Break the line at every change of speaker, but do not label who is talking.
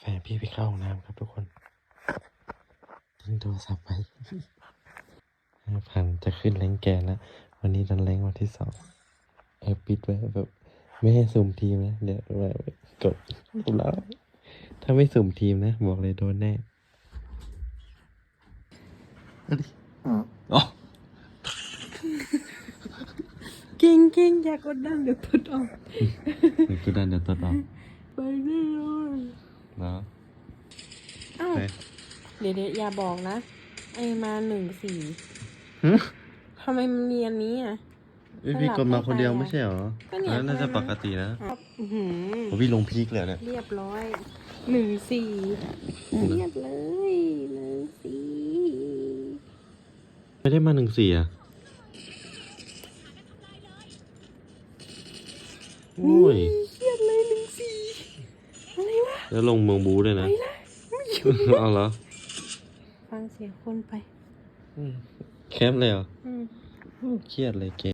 แฟนพี่ไปเข้าห้องน้ำครับทุกคนทิ้งโทรศัพท์ไป5,000จะขึ้นแรงแกนแล้ววันนี้ดันแรงวันที่2ปิดไว้แบบไม่ให้สุ่มทีมนะเดี๋ยวกดแล้วถ้าไม่สุ่มทีมนะบอกเลยโดนแน่อ๋อ
เก่งอย่ากดดันเดี๋ยวกดออก
เดี๋ยวกดดันเดี๋ยวตัดออก
ไปแน่นอน
แล้ว
อ้าว
ไป
เดี๋ยวอย่าบอกนะไอมา14
หึ
ทำไมมันมีอันนี้อ่ะ
พี่กดมาคนเดียวไม่ใช่เหรอ
ก็เนี่ย
แล้วน่าจะปกตินะ
อื้อหือ
ผมพี่ลงพีคเลยเนี่ย
เรียบร้อย14เรียบเลย14
ไม่ได้มา14อ่ะโอ้ย
เครียดเลย14อะไรวะ
แล้วลงเมืองบูด้วยนะ
ไปละไม่อยู่
เอาเหรอ
ฟังเสียงคนไป
แคปเลยเหรอ
อืม
เครียดเลยเกม